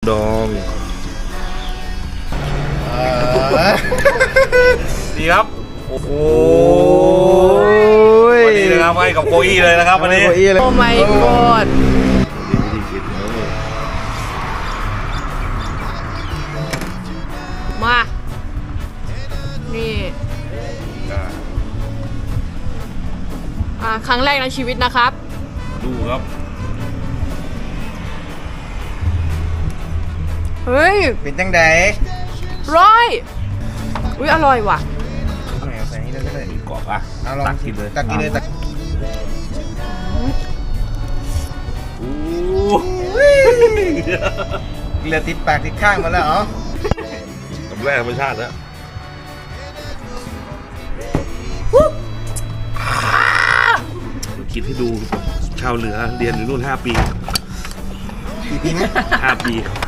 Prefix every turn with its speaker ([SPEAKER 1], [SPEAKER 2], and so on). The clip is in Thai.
[SPEAKER 1] ดองดีครับโอ้โหวันนี้นะครับให้กับโคอี้เลยนะครับวันนี้
[SPEAKER 2] โอ้ my god มานี่ครั้งแรกในชีวิตนะครับ
[SPEAKER 1] ดูครับ
[SPEAKER 2] เฮ้ย
[SPEAKER 3] เป็นจังได
[SPEAKER 2] ร้อยอุ้ยอร่อยว่ะ
[SPEAKER 3] เอาใส่นี่เลยก็ได้
[SPEAKER 1] กรอบอ่ะ
[SPEAKER 3] เอาลอง
[SPEAKER 1] ตักกินเลย
[SPEAKER 3] ตักกินเลยตักเหลือติดปากติดข้างมาแล้วเหรอ
[SPEAKER 1] กับแร่ธรรมชาตินะคิดให้ดูชาวเหนือเรียนอยู่นู่น5 ปี
[SPEAKER 3] กี่ปีนะ
[SPEAKER 1] 5 ปี